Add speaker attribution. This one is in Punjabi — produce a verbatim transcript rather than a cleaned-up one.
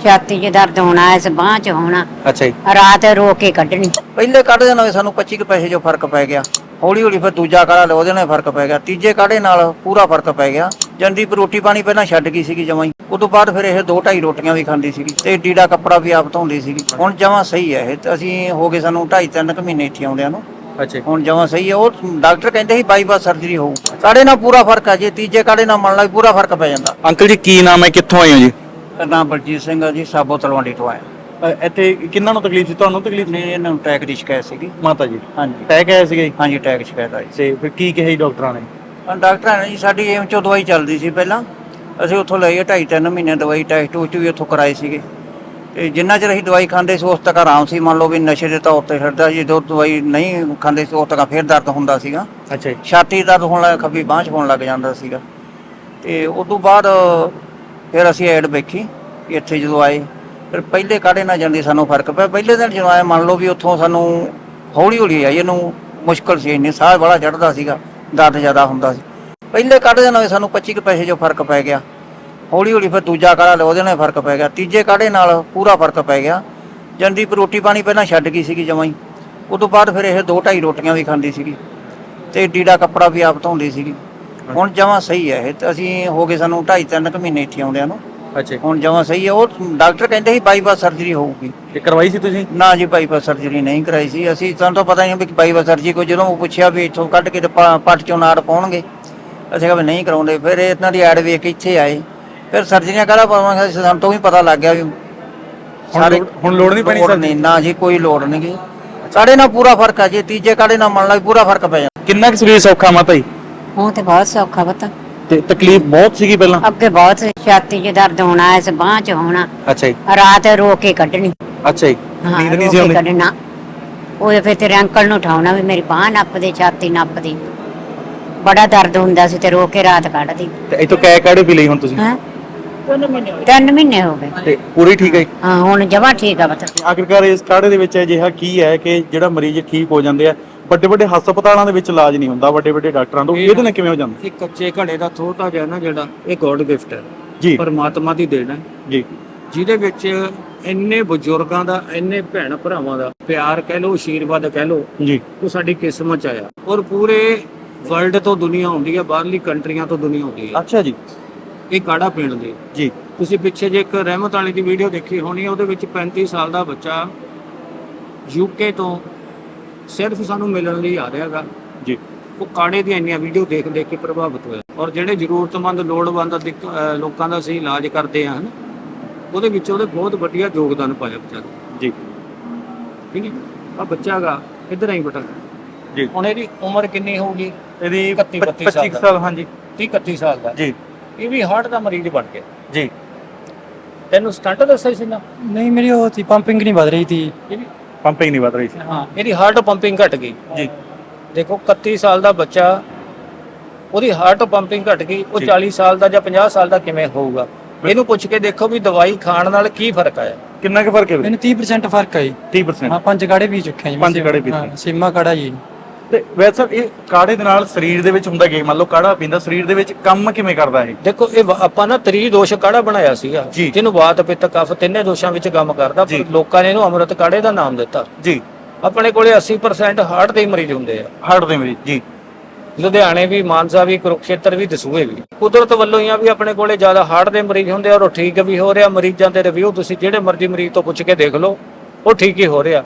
Speaker 1: ਛਾਤੀ 'ਚ ਦਰਦ ਹੋਣਾ, ਇਸ ਬਾਂਹ 'ਚ ਹੋਣਾ।
Speaker 2: ਅੱਛਾ ਜੀ।
Speaker 1: ਰਾਤ ਰੋ ਕੇ ਕੱਢਣੀ।
Speaker 3: ਪਹਿਲੇ ਕਾੜੇ ਨਾਲ ਸਾਨੂੰ ਪੱਚੀ ਕੁ ਪੈਸੇ ਜੋ ਫਰਕ ਪੈ ਗਿਆ। ਹੌਲੀ ਹੌਲੀ ਫਿਰ ਦੂਜਾ ਕਾੜਾ ਲਿਆ, ਉਹਦੇ ਨਾਲ ਫਰਕ ਪੈ ਗਿਆ। ਤੀਜੇ ਕਾੜੇ ਨਾਲ ਪੂਰਾ ਫਰਕ ਪੈ ਗਿਆ। ਜਨਦੀਪ ਰੋਟੀ ਪਾਣੀ ਪਹਿਲਾਂ ਛੱਡ ਗਈ ਸੀਗੀ ਜਮਾਂ ਹੀ। ਉਦੋਂ ਬਾਅਦ ਫਿਰ ਇਹ ਦੋ ਢਾਈ ਰੋਟੀਆਂ ਵੀ ਖਾਂਦੀ ਸੀਗੀ ਤੇ ਡੀੜਾ ਕੱਪੜਾ ਵੀ ਆਪ ਧੋਂਦੀ ਸੀਗੀ। ਹੁਣ ਜਮਾਂ ਸਹੀ ਹੈ ਇਹ। ਤੇ ਅਸੀਂ ਹੋ ਗਏ ਸਾਨੂੰ ਢਾਈ ਤਿੰਨ ਕੁ ਮਹੀਨੇ ਇੱਥੇ ਆਉਂਦਿਆਂ ਨੂੰ।
Speaker 2: ਅੱਛਾ
Speaker 3: ਹੁਣ ਜਮਾਂ ਸਹੀ ਹੈ। ਉਹ ਡਾਕਟਰ ਕਹਿੰਦੇ ਸੀ ਬਾਈਪਾਸ ਸਰਜਰੀ ਹੋਊ। ਕਾੜੇ ਨਾਲ ਪੂਰਾ ਫਰਕ ਹੈ ਜੀ। ਤੀਜੇ ਕਾੜੇ ਨਾਲ ਮੰਨ ਲਾ ਵੀ ਪੂਰਾ ਫਰਕ ਪੈ ਜਾਂਦਾ।
Speaker 2: ਅੰਕਲ ਜੀ ਕੀ ਨਾਮ ਹੈ, ਕਿੱਥੋਂ ਆਏ ਹੋ ਜੀ?
Speaker 3: ਨਾਮ ਬਲਜੀਤ ਸਿੰਘ ਆ ਜੀ, ਸਾਬੋ ਤਲਵੰਡੀ ਤੋਂ ਆਇਆ।
Speaker 2: ਅ, ਇੱਥੇ ਕਿੰਨਾਂ ਨੂੰ ਤਕਲੀਫ ਸੀ? ਤੁਹਾਨੂੰ ਤਕਲੀਫ
Speaker 3: ਨੇ ਇਹਨਾਂ ਨੂੰ ਟੈਕ ਦੀ ਸ਼ਿਕਾਇਤ ਸੀਗੀ।
Speaker 2: ਮਾਤਾ ਜੀ
Speaker 3: ਹਾਂਜੀ
Speaker 2: ਟੈਕ ਆਇਆ ਸੀਗਾ ਜੀ?
Speaker 3: ਹਾਂਜੀ ਟੈਕ ਸ਼ਿਕਾਇਤ ਆਈ ਸੀ।
Speaker 2: ਤੇ ਫਿਰ ਕੀ ਕਿਹਾ ਜੀ ਡਾਕਟਰਾਂ ਨੇ?
Speaker 3: ਹਾਂ, ਡਾਕਟਰਾਂ ਨੇ ਜੀ ਸਾਡੀ ਏਮ ਚੋਂ ਦਵਾਈ ਚੱਲਦੀ ਸੀ ਪਹਿਲਾਂ। ਅਸੀਂ ਉੱਥੋਂ ਲਈ ਢਾਈ ਤਿੰਨ ਮਹੀਨੇ ਦਵਾਈ ਟੈਸਟ ਟੂਸਟ ਵੀ ਉੱਥੋਂ ਕਰਾਏ ਸੀਗੇ। ਤੇ ਜਿੰਨਾ ਚਿਰ ਅਸੀਂ ਦਵਾਈ ਖਾਂਦੇ ਸੀ ਉਸ ਤੱਕ ਆਰਾਮ ਸੀ। ਮੰਨ ਲਓ ਵੀ ਨਸ਼ੇ ਦੇ ਤੌਰ ਤੇ ਛੱਡਦਾ ਜੀ, ਜਦੋਂ ਦਵਾਈ ਨਹੀਂ ਖਾਂਦੇ ਸੀ ਉਸ ਤੱਕ ਫਿਰ ਦਰਦ ਹੁੰਦਾ ਸੀਗਾ।
Speaker 2: ਅੱਛਾ ਜੀ।
Speaker 3: ਛਾਤੀ ਦਰਦ ਹੋਣ ਲੱਗ, ਖੱਬੀ ਬਾਂਹ 'ਚ ਹੋਣ ਲੱਗ ਜਾਂਦਾ ਸੀਗਾ। ਤੇ ਉਸ ਤੋਂ ਬਾਅਦ ਫਿਰ ਅਸੀਂ ਐਡ ਵੇਖੀ ਇੱਥੇ ਜਦੋਂ ਆਏ। ਫਿਰ ਪਹਿਲੇ ਕਾੜੇ ਨਾਲ ਜਾਂਦੇ ਸਾਨੂੰ ਫਰਕ ਪਿਆ। ਪਹਿਲੇ ਦਿਨ ਜਦੋਂ ਆਏ ਮੰਨ ਲਓ ਵੀ ਉੱਥੋਂ ਸਾਨੂੰ ਹੌਲੀ ਹੌਲੀ ਆਈ। ਇਹਨੂੰ ਮੁਸ਼ਕਲ ਸੀ, ਇੰਨੀ ਸਾਹ ਬੜਾ ਚੜ੍ਹਦਾ ਸੀਗਾ, ਦਰਦ ਜ਼ਿਆਦਾ ਹੁੰਦਾ ਸੀ। ਪਹਿਲੇ ਕਾੜੇ ਦੇ ਨਾਲ ਸਾਨੂੰ ਪੱਚੀ ਕੁ ਪੈਸੇ ਜੋ ਫਰਕ ਪੈ ਗਿਆ। ਹੌਲੀ ਹੌਲੀ ਫਿਰ ਦੂਜਾ ਕਾੜਾ ਲਿਆ, ਉਹਦੇ ਨਾਲ ਫਰਕ ਪੈ ਗਿਆ। ਤੀਜੇ ਕਾੜੇ ਨਾਲ ਪੂਰਾ ਫਰਕ ਪੈ ਗਿਆ। ਜਨਦੀਪ ਰੋਟੀ ਪਾਣੀ ਪਹਿਲਾਂ ਛੱਡ ਗਈ ਸੀਗੀ ਜਮਾਂ ਹੀ। ਉਦੋਂ ਬਾਅਦ ਫਿਰ ਇਹ ਦੋ ਢਾਈ ਰੋਟੀਆਂ ਵੀ ਖਾਂਦੀ ਸੀਗੀ ਤੇ ਡੀੜਾ ਕੱਪੜਾ ਵੀ ਆਪ ਧੋਂਦੀ ਸੀਗੀ। ਹੁਣ ਜਮਾਂ ਸਹੀ ਹੈ ਇਹ। ਤੇ ਅਸੀਂ ਹੋ ਗਏ ਸਾਨੂੰ ਢਾਈ ਤਿੰਨ ਕੁ ਮਹੀਨੇ ਇੱਥੇ ਆਉਂਦਿਆਂ ਨੂੰ।
Speaker 2: ਅੱਛਾ
Speaker 3: ਹੁਣ ਜਮਾਂ ਸਹੀ ਹੈ। ਉਹ ਡਾਕਟਰ ਕਹਿੰਦੇ ਸੀ ਬਾਈਪਾਸ ਸਰਜਰੀ ਹੋਊਗੀ।
Speaker 2: ਤੇ ਕਰਵਾਈ ਸੀ ਤੁਸੀਂ?
Speaker 3: ਨਾ ਜੀ ਬਾਈਪਾਸ ਸਰਜਰੀ ਨਹੀਂ ਕਰਾਈ ਸੀ ਅਸੀਂ। ਸਾਨੂੰ ਤਾਂ ਪਤਾ ਹੀ ਨਹੀਂ ਵੀ ਬਾਈਪਾਸ ਸਰਜਰੀ ਕੋਈ। ਜਦੋਂ ਉਹ ਪੁੱਛਿਆ ਵੀ ਇੱਥੋਂ ਕੱਢ ਕੇ ਤੇ ਪ- ਪੱਟ ਚੋਂ ਨਾੜ ਪਾਉਣਗੇ, ਅਸੀਂ ਕਿਹਾ ਵੀ ਨਹੀਂ ਕਰਾਉਂਦੇ। ਫਿਰ ਇਹਨਾਂ ਦੀ ਐਡ ਵੇਖ ਕੇ ਇੱਥੇ ਆਏ। ਫਿਰ ਸਰਜਰੀਆਂ ਕਾਹਦਾ ਪਾਵਾਂਗੇ, ਸਾਨੂੰ ਤੋਂ ਵੀ ਪਤਾ ਲੱਗ ਗਿਆ ਵੀ
Speaker 2: ਸਾਰੇ ਹੁਣ ਲੋੜ ਨਹੀਂ ਪੈਣੀ
Speaker 3: ਲੋੜ
Speaker 2: ਸਰ?
Speaker 3: ਨਹੀਂ ਨਾ ਜੀ, ਕੋਈ ਲੋੜ ਨਹੀਂ ਗੀ। ਕਾੜੇ ਨਾਲ ਪੂਰਾ ਫਰਕ ਹੈ ਜੀ। ਤੀਜੇ ਕਾੜੇ ਨਾਲ ਮੰਨ ਲਾ ਵੀ ਪੂਰਾ ਫਰਕ ਪੈ ਜਾਂਦਾ।
Speaker 2: ਕਿੰਨਾ ਕੁ ਸਰੀਰ ਸੌਖਾ ਮਾਤਾ ਜੀ?
Speaker 1: ਉਹ ਤੇ ਬਹੁਤ ਸੌਖਾ ਪਤਾ।
Speaker 2: ਤੇ ਤਕਲੀਫ ਬਹੁਤ ਸੀਗੀ ਪਹਿਲਾਂ?
Speaker 1: ਅੱਗੇ ਬਹੁਤ ਸੀ। ਛਾਤੀ 'ਚ ਦਰਦ ਹੋਣਾ, ਇਸ ਬਾਂਹ 'ਚ ਹੋਣਾ।
Speaker 2: ਅੱਛਾ ਜੀ।
Speaker 1: ਰਾਤ ਰੋ ਕੇ ਕੱਢਣੀ।
Speaker 2: ਅੱਛਾ ਜੀ।
Speaker 1: ਹਾਂ,
Speaker 2: ਨੀਂਦ ਨਹੀਂ
Speaker 1: ਰੋ
Speaker 2: ਸੀ
Speaker 1: ਕੇ
Speaker 2: ਆਉਂਦੀ?
Speaker 1: ਕੱਢਣਾ। ਉਹ ਫਿਰ ਤੇਰੇ ਅੰਕਲ ਨੂੰ ਉਠਾਉਣਾ ਵੀ ਮੇਰੀ ਬਾਂਹ ਨੱਪਦੀ, ਛਾਤੀ ਨੱਪਦੀ। ਬੜਾ ਦਰਦ ਹੁੰਦਾ ਸੀ ਤੇ ਰੋ ਕੇ ਰਾਤ ਕੱਢਦੀ।
Speaker 2: ਤੇ ਇਥੋਂ ਕੈ ਕਾੜੇ ਪੀ ਲਈ ਹੁਣ ਤੁਸੀਂ?
Speaker 1: ਹੈਂ ਤਿੰਨ ਮਹੀਨੇ ਹੋ ਗਏ।
Speaker 2: ਤੇ ਪੂਰੀ ਠੀਕ ਹੈ ਜੀ?
Speaker 1: ਹਾਂ ਹੁਣ ਜਮਾਂ ਠੀਕ ਆ ਪਤਾ।
Speaker 2: ਆਖਿਰਕਾਰ ਇਸ ਕਾੜੇ ਦੇ ਵਿੱਚ ਅਜਿਹਾ ਕੀ ਹੈ ਕਿ ਜਿਹੜਾ ਮਰੀਜ਼ ਠੀਕ ਹੋ ਜਾਂਦੇ ਆ? ਵੱਡੇ ਵੱਡੇ ਹਸਪਤਾਲਾਂ ਦੇ ਵਿੱਚ ਇਲਾਜ ਨਹੀਂ ਹੁੰਦਾ, ਵੱਡੇ ਵੱਡੇ ਡਾਕਟਰਾਂ ਤੋਂ। ਇਹਦੇ ਨਾਲ ਕਿਵੇਂ ਹੋ ਜਾਂਦਾ?
Speaker 4: ਇਹ ਕੱਚੇ ਘੜੇ ਦਾ ਥੋੜਾ ਜਿਹਾ ਨਾ ਜਿਹੜਾ ਇਹ ਗੋਡ ਗਿਫਟ ਹੈ
Speaker 2: ਜੀ
Speaker 4: ਪਰਮਾਤਮਾ ਦੀ ਦੇਣ ਹੈ
Speaker 2: ਜੀ।
Speaker 4: ਜਿਹਦੇ ਵਿੱਚ ਇੰਨੇ ਬਜ਼ੁਰਗਾਂ ਦਾ, ਇੰਨੇ ਭੈਣ ਭਰਾਵਾਂ ਦਾ ਪਿਆਰ ਕਹਿ ਲੋ, ਆਸ਼ੀਰਵਾਦ ਕਹਿ ਲੋ,
Speaker 2: ਜੀ
Speaker 4: ਉਹ ਸਾਡੀ ਕਿਸਮਤ ਚ ਆਇਆ। ਔਰ ਪੂਰੇ ਵਰਲਡ ਤੋਂ ਦੁਨੀਆ ਆਉਂਦੀ ਹੈ, ਬਾਹਰਲੀ ਕੰਟਰੀਆਂ ਤੋਂ ਦੁਨੀਆ ਆਉਂਦੀ ਹੈ
Speaker 2: ਅੱਛਾ ਜੀ।
Speaker 4: ਇਹ ਕਾੜਾ ਪੀਣ ਦੀ।
Speaker 2: ਜੀ
Speaker 4: ਤੁਸੀਂ ਪਿੱਛੇ ਜੇ ਇੱਕ ਰਹਿਮਤ ਵਾਲੀ ਦੀ ਵੀਡੀਓ ਦੇਖੀ ਹੋਣੀ ਹੈ, ਉਹਦੇ ਵਿੱਚ ਪੈਂਤੀ ਸਾਲ ਦਾ ਬੱਚਾ ਯੂਕੇ ਤੋਂ ਸਿਰਫ ਸਾਨੂੰ ਮਿਲਣ ਲਈ ਆ ਰਿਹਾਗਾ।
Speaker 2: ਜੀ
Speaker 4: ਉਹ ਕਾੜੇ ਦੀਆਂ ਇੰਨੀਆਂ ਵੀਡੀਓ ਦੇਖ ਦੇਖ ਕੇ ਪ੍ਰਭਾਵਿਤ ਹੋਇਆ। ਔਰ ਜਿਹੜੇ ਜ਼ਰੂਰਤਮੰਦ ਲੋੜਵੰਦ ਦਿੱਕ- ਅਹ ਲੋਕਾਂ ਦਾ ਅਸੀਂ ਇਲਾਜ ਕਰਦੇ ਹਾਂ, ਉਹਦੇ ਵਿੱਚ ਉਹਦੇ ਬਹੁਤ ਵਧੀਆ ਯੋਗਦਾਨ ਪਾਇਆ ਵਿਚਾਰੇ।
Speaker 2: ਜੀ
Speaker 4: ਠੀਕ ਹੈ। ਆ ਬੱਚਾ ਗਾ ਇੱਧਰ ਆਈ ਬਟਾ
Speaker 2: ਜੀ।
Speaker 4: ਹੁਣ ਇਹਦੀ ਉਮਰ ਕਿੰਨੀ ਹੋਊਗੀ?
Speaker 2: ਇਹਦੀ
Speaker 4: ਇਕੱਤੀ ਬੱਤੀ
Speaker 2: ਪੱਚੀ ਕੁ ਸਾਲ। ਹਾਂਜੀ
Speaker 4: ਤੀਹ ਇਕੱਤੀ ਸਾਲ ਦਾ।
Speaker 2: ਜੀ
Speaker 4: ਇਹ ਵੀ ਹਾਰਟ ਦਾ ਮਰੀਜ਼ ਬਣ ਗਿਆ।
Speaker 2: ਜੀ।
Speaker 4: ਤੈਨੂੰ ਸਟੰਟ ਦੱਸਿਆ ਸੀ ਨਾ?
Speaker 5: ਨਹੀਂ ਮੇਰੀ ਉਹ ਸੀ ਪੰਪਿੰਗ ਨਹੀਂ ਵੱਧ ਰਹੀ ਸੀ।
Speaker 4: ਇਹਦੀ
Speaker 2: ਪੰਪਿੰਗ ਨਹੀਂ ਵੱਧ ਰਹੀ ਸੀ?
Speaker 4: ਹਾਂ, ਇਹਦੀ ਹਾਰਟ ਪੰਪਿੰਗ ਘਟ ਗਈ।
Speaker 2: ਜੀ
Speaker 4: ਦੇਖੋ ਇਕੱਤੀ ਸਾਲ ਦਾ ਬੱਚਾ, ਉਹਦੀ ਹਾਰਟ ਪੰਪਿੰਗ ਘਟ ਗਈ। ਉਹ
Speaker 2: ਜੀ।
Speaker 4: ਚਾਲੀ ਸਾਲ ਦਾ ਜਾਂ ਪੰਜਾਹ ਸਾਲ ਦਾ ਕਿਵੇਂ ਹੋਊਗਾ? ਇਹਨੂੰ ਪੁੱਛ ਕੇ ਦੇਖੋ ਵੀ ਦਵਾਈ ਖਾਣ ਨਾਲ ਕੀ ਫਰਕ ਆਇਆ।
Speaker 2: ਕਿੰਨਾ ਕੁ ਫਰਕ ਹੈ ਵੀਰੇ?
Speaker 5: ਮੈਨੂੰ ਤੀਹ ਪਰਸੈਂਟ ਫਰਕ ਆਈ।
Speaker 2: ਤੀਹ ਪਰਸੈਂਟ?
Speaker 5: ਹਾਂ ਪੰਜ ਕਾੜੇ ਪੀ ਚੁੱਕੇ ਹਾਂ ਜੀ।
Speaker 2: ਪੰਜ ਕਾੜੇ ਪੀਤੇ।
Speaker 5: ਹਾਂ, ਸੀਮਾ ਕਾੜਾ ਜੀ।
Speaker 2: ਤੇ ਵੈਸੇ ਸਰ ਇਹ ਕਾੜੇ ਦੇ ਨਾਲ ਸਰੀਰ ਦੇ ਵਿੱਚ ਹੁੰਦਾ ਕੀ? ਮੰਨ ਲਓ ਕਾੜਾ ਪੀਂਦਾ, ਸਰੀਰ ਦੇ ਵਿੱਚ ਕੰਮ ਕਿਵੇਂ ਕਰਦਾ ਇਹ?
Speaker 4: ਦੇਖੋ ਇਹ ਵਾ- ਆਪਾਂ ਨਾ ਤ੍ਰੀ ਦੋਸ਼ ਕਾੜਾ ਬਣਾਇਆ ਸੀਗਾ,
Speaker 2: ਜੀ।
Speaker 4: ਜਿਹਨੂੰ ਵਾਤ ਪਿੱਤ ਕਫ ਤਿੰਨੇ ਦੋਸ਼ਾਂ ਵਿੱਚ ਕੰਮ ਕਰਦਾ।
Speaker 2: ਜੀ।
Speaker 4: ਪਰ ਲੋਕਾਂ ਨੇ ਇਹਨੂੰ ਅੰਮ੍ਰਿਤ ਕਾੜੇ ਦਾ ਨਾਮ ਦਿੱਤਾ।
Speaker 2: ਜੀ।
Speaker 4: ਆਪਣੇ ਕੋਲੇ ਅੱਸੀ ਪਰਸੈਂਟ ਹਾਰਟ ਦੇ ਮਰੀਜ਼ ਹੁੰਦੇ ਆ।
Speaker 2: ਹਾਰਟ ਦੇ ਮਰੀਜ਼? ਜੀ।
Speaker 4: ਲੁਧਿਆਣੇ ਵੀ, ਮਾਨਸਾ ਵੀ, ਕੁਰੂਕਸ਼ੇਤਰ ਵੀ, ਦਸੂਹੇ ਵੀ। ਕੁਦਰਤ ਵੱਲੋਂ ਹੀ ਆ ਵੀ ਆਪਣੇ ਕੋਲੇ ਜ਼ਿਆਦਾ ਹਾਰਟ ਦੇ ਮਰੀਜ਼ ਹੁੰਦੇ ਆ। ਔਰ ਉਹ ਠੀਕ ਵੀ ਹੋ ਰਿਹਾ। ਮਰੀਜ਼ਾਂ ਦੇ ਰਿਵਿਊ ਤੁਸੀਂ ਜਿਹੜੇ ਮਰਜ਼ੀ ਮਰੀਜ਼ ਤੋਂ ਪੁੱਛ ਕੇ ਦੇਖ ਲਓ, ਉਹ ਠੀਕ ਹੀ ਹੋ ਰਿਹਾ।